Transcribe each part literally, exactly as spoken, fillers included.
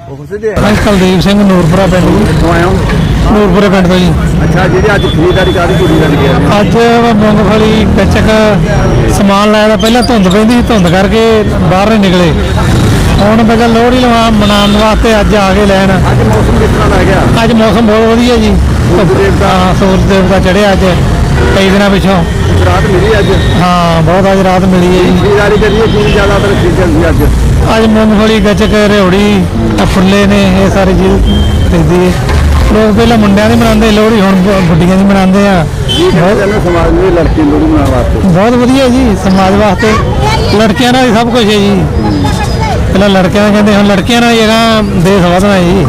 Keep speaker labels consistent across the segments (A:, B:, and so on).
A: ਕੁਲਦੀਪ ਸਿੰਘ ਨੂਰਪੁਰਾ ਪਿੰਡ ਜੀ।
B: ਕਿੱਥੋਂ ਆਏ ਹੋ?
A: ਨੂਰਪੁਰੇ ਪਿੰਡ ਤੋਂ ਜੀ।
B: ਅੱਛਾ, ਜਿਹੜੀ ਅੱਜ ਖਰੀਦਦਾਰੀ ਕਾਹਦੀ ਕੁੜੀ ਲੱਗੀ ਹੈ?
A: ਅੱਜ ਮੂੰਗਫਲੀ ਗੱਚਕ ਸਮਾਨ ਲਾਇਆ। ਪਹਿਲਾਂ ਧੁੰਦ ਪੈਂਦੀ ਸੀ, ਧੁੰਦ ਕਰਕੇ ਬਾਹਰ ਨਹੀਂ ਨਿਕਲੇ। ਹੁਣ ਪਹਿਲਾਂ ਲੋਹੜੀ ਲਵਾ ਮਨਾਉਣ ਵਾਸਤੇ ਅੱਜ ਆ ਕੇ ਲੈਣ।
B: ਅੱਜ ਮੌਸਮ ਕਿਸ ਤਰ੍ਹਾਂ ਲੱਗ ਗਿਆ?
A: ਅੱਜ ਮੌਸਮ ਬਹੁਤ ਵਧੀਆ ਜੀ। ਹਾਂ, ਸੂਰਜ ਦੇਵਤਾ ਚੜ੍ਹਿਆ ਅੱਜ ਕਈ ਦਿਨਾਂ ਪਿੱਛੋਂ।
B: ਰਾਤ ਮਿਲੀ ਅੱਜ?
A: ਹਾਂ, ਬਹੁਤ ਅੱਜ ਰਾਤ ਮਿਲੀ ਹੈ ਜੀ।
B: ਖਰੀਦਦਾਰੀ ਕਰੀਏ ਕੀ ਜ਼ਿਆਦਾਤਰ ਖਰੀਦਣ ਦੀ ਅੱਜ?
A: ਅੱਜ ਮੂੰਗਫਲੀ ਗੱਚਕ ਰਿਉੜੀ ਫੁੱਲੇ ਨੇ, ਇਹ ਸਾਰੀ ਚੀਜ਼ ਖਰੀਦੀ ਹੈ। ਲੋਕ ਪਹਿਲਾਂ ਮੁੰਡਿਆਂ ਦੀ ਮਨਾਉਂਦੇ ਲੋਹੜੀ, ਹੁਣ ਗੁੱਡੀਆਂ ਦੀ ਮਨਾਉਂਦੇ ਆ।
B: ਬਹੁਤ ਸਮਾਜ ਦੇ ਲੜਕੀ ਲੋਹੜੀ ਮਨਾਉਣ ਵਾਸਤੇ
A: ਬਹੁਤ ਵਧੀਆ ਜੀ, ਸਮਾਜ ਵਾਸਤੇ ਲੜਕਿਆਂ ਨਾਲ ਹੀ ਸਭ ਕੁਝ ਹੈ ਜੀ। ਪਹਿਲਾਂ ਲੜਕਿਆਂ ਦਾ ਕਹਿੰਦੇ, ਹੁਣ ਲੜਕੀਆਂ ਨਾਲ ਜਿਹੜਾ ਦੇਸ਼ ਵਧਣਾ ਜੀ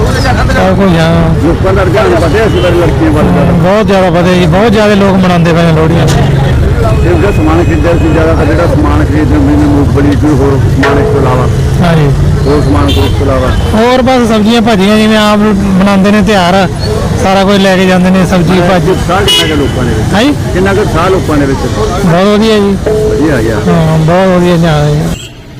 A: ਸਭ ਕੁਝ। ਹਾਂ,
B: ਲੋਕਾਂ ਦਾ ਰੁਝਾਨ ਵਧਿਆ ਇਸ ਵਾਰ ਲੜਕੀਆਂ ਵੱਲ?
A: ਬਹੁਤ ਜ਼ਿਆਦਾ ਵਧਿਆ ਜੀ, ਬਹੁਤ ਜ਼ਿਆਦਾ ਲੋਕ ਮਨਾਉਂਦੇ ਪਏ ਨੇ ਲੋਹੜੀਆਂ।
B: ਤੇ ਉਹਦਾ ਸਮਾਨ ਖਰੀਦਿਆ ਸੀ ਜ਼ਿਆਦਾਤਰ, ਜਿਹੜਾ ਸਮਾਨ ਖਰੀਦਦੇ ਹੁੰਦੇ ਨੇ ਮੂੰਗਫਲੀ ਕੋਈ ਹੋਰ ਸਮਾਨ ਇਸ ਤੋਂ ਇਲਾਵਾ?
A: ਹਾਂਜੀ,
B: ਹੋਰ ਸਮਾਨ ਕੋਈ ਇਸ ਤੋਂ ਇਲਾਵਾ?
A: ਹੋਰ ਬਸ ਸਬਜ਼ੀਆਂ ਭਾਜੀਆਂ ਜਿਵੇਂ ਆਪ ਬਣਾਉਂਦੇ ਨੇ ਤਿਉਹਾਰ, ਸਾਰਾ ਕੁਝ ਲੈ ਕੇ ਜਾਂਦੇ ਨੇ। ਸਬਜ਼ੀ ਭਾਜੀ
B: ਸਾਹ ਕਿੰਨਾ ਕੁ ਲੋਕਾਂ ਦੇ ਵਿੱਚ?
A: ਹਾਂਜੀ,
B: ਕਿੰਨਾ ਕੁ ਸਾਹ ਲੋਕਾਂ ਦੇ ਵਿੱਚ?
A: ਬਹੁਤ ਵਧੀਆ ਜੀ,
B: ਵਧੀਆ ਆ ਗਿਆ।
A: ਹਾਂ ਬਹੁਤ ਵਧੀਆ ਜਾ ਰਿਹਾ।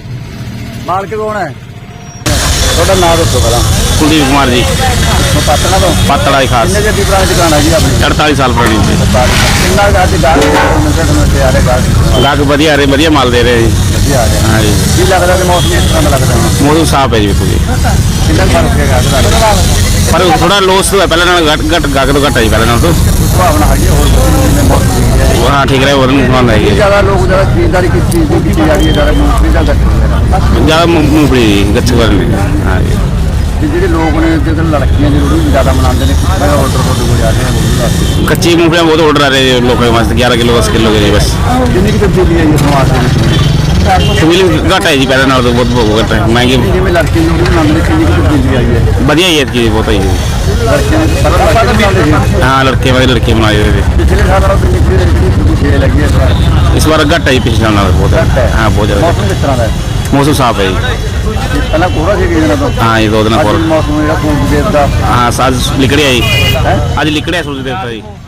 B: ਮਾਲਕ ਕੌਣ ਹੈ ਤੁਹਾਡਾ? ਨਾਮ ਦੱਸੋ ਪਹਿਲਾਂ।
C: ਕੁਲਦੀਪ ਕੁਮਾਰ ਜੀ,
B: ਪਤਨਾ ਤੋਂ?
C: ਪਤੜਾ ਦੀ ਖਾਸ।
B: ਕਿੰਨੇ ਜੱਦੀ ਪੁਰਾਣੀ ਦੁਕਾਨ ਹੈ ਜੀ ਆਪਣੀ?
C: ਅੜਤਾਲੀ ਸਾਲ ਪੁਰਾਣੀ ਜੀ।
B: ਕਿੰਨਾ ਕੁ ਅੱਜ ਗਾਹਕ ਮਿੰਟੇ ਆ ਰਹੇ ਗਾਹਕ?
C: ਗਾਹਕ ਵਧੀਆ ਰਹੇ, ਵਧੀਆ ਮਾਲ ਦੇ ਰਹੇ ਜੀ।
B: ਵਧੀਆ ਆ ਰਿਹਾ।
C: ਹਾਂ ਜੀ,
B: ਕੀ ਲੱਗਦਾ ਕਿ ਮੌਸਮ ਇਸ ਤਰ੍ਹਾਂ ਦਾ ਲੱਗਦਾ ਹੁਣ?
C: ਮੌਸਮ ਸਾਫ ਹੈ ਜੀ। ਵੇਖੋ ਜੀ,
B: ਕਿੰਨਾ ਕੁ ਫਰਕ ਹੈ ਗਾਹਕ ਦਾ?
C: ਪਰ ਥੋੜਾ ਲੋਸ ਹੈ, ਪਹਿਲਾਂ ਨਾਲ ਘੱਟ ਘੱਟ ਗਾਹਕ ਤੋਂ ਘੱਟ ਹੈ ਜੀ, ਪਹਿਲਾਂ ਨਾਲ ਤੋਂ।
B: ਭਾਵਨਾ ਹੈਗੀ ਹੋਰ ਜਿਵੇਂ ਮੌਸਮ ਦੀ ਹੈ?
C: ਉਹ ਹਾਂ ਠੀਕ ਰਹੇ, ਹੋਰ ਨਹੀਂ ਸਮਾਨ ਹੈਗੀ।
B: ਜ਼ਿਆਦਾ ਲੋਕ ਜ਼ਿਆਦਾ ਖਰੀਦਦਾਰੀ ਕਿਸ ਚੀਜ਼ ਦੀ ਕੀਤੀ ਜਾ ਰਹੀ ਹੈ? ਜ਼ਿਆਦਾ ਮੂੰਗਫਲੀ ਦਾ ਘੱਟ?
C: ਜ਼ਿਆਦਾ ਮੂੰਗਫਲੀ ਜੀ, ਗੱਚਕ ਵਾਲੀ। ਹਾਂ ਜੀ,
B: ਤੇ ਜਿਹੜੇ ਲੋਕ ਨੇ ਜਿਹੜੇ ਲੜਕੀਆਂ ਦੀ ਲੋਹੜੀ ਜ਼ਿਆਦਾ ਮਨਾਉਂਦੇ ਨੇ, ਕਿੰਨਾ ਆਰਡਰ ਤੁਹਾਡੇ ਕੋਲ ਆ ਰਿਹਾ ਲੋਹੜੀ ਵਾਸਤੇ?
C: ਕੱਚੀ ਮੂੰਗਫਲੀਆਂ ਬਹੁਤ ਆਰਡਰ ਆ ਰਹੇ ਜੀ ਲੋਕਾਂ ਵਾਸਤੇ। ਗਿਆਰਾਂ ਕਿਲੋ ਦਸ ਕਿਲੋ ਦੇ ਜੀ ਬਸ।
B: ਕਿੰਨੀ ਕੁ ਤਬਦੀਲੀ ਆਈ ਹੈ ਸਮਾਜ ਦੇ ਵਿੱਚ?
C: ਤਬਦੀਲੀ ਘੱਟ ਹੈ ਜੀ, ਪਹਿਲਾਂ ਨਾਲ ਤੋਂ ਬਹੁਤ ਬਹੁਤ ਘੱਟ ਹੈ। ਮਹਿੰਗੀ
B: ਜਿਵੇਂ ਲੜਕੀ ਨੂੰ ਲੋਹੜੀ ਮਨਾਉਂਦੇ ਨੇ, ਕਿੰਨੀ ਕੁ ਤਬਦੀਲੀ ਆਈ ਹੈ?
C: ਵਧੀਆ ਹੀ ਹੈ ਚੀਜ਼, ਬਹੁਤ ਹੈ ਜੀ।
B: ਲੜਕੀਆਂ ਨੂੰ ਪਹਿਲਾਂ ਲੜਕੇ ਮਨਾਉਂਦੇ ਸੀ?
C: ਹਾਂ, ਲੜਕੇ ਵਾਲੇ ਲੜਕੇ ਬਣਾਏ ਹੋਏ ਨੇ।
B: ਪਿਛਲੇ ਸਾਲ ਨਾਲੋਂ ਕਿੰਨੀ ਕੁ ਜਿਹੜੀ ਛੇ ਲੱਗੀ ਹੈ ਇਸ ਵਾਰ?
C: ਇਸ ਵਾਰ ਘੱਟ ਹੈ ਜੀ, ਪਿਛਲੇ ਸਾਲ ਨਾਲ ਬਹੁਤ ਹੈ। ਹਾਂ, ਬਹੁਤ ਜ਼ਿਆਦਾ।
B: ਮੌਸਮ ਕਿਸ ਤਰ੍ਹਾਂ ਦਾ ਹੈ?
C: ਮੌਸਮ ਸਾਫ ਹੈ ਜੀ।
B: ਪਹਿਲਾਂ ਕੋਹਰਾ ਸੀ ਕਿਹਨਾਂ ਤੋਂ?
C: ਹਾਂ ਜੀ, ਦੋ ਦਿਨ
B: ਅੱਜ
C: ਹੋਰ।
B: ਮੌਸਮ ਜਿਹੜਾ ਸੂਰਜ ਦੇਵਤਾ
C: ਹਾਂ, ਅੱਜ ਲਿਕੜਿਆ ਜੀ। ਅੱਜ ਲਿਕੜਿਆ ਸੂਰਜ ਦੇਵਤਾ ਜੀ।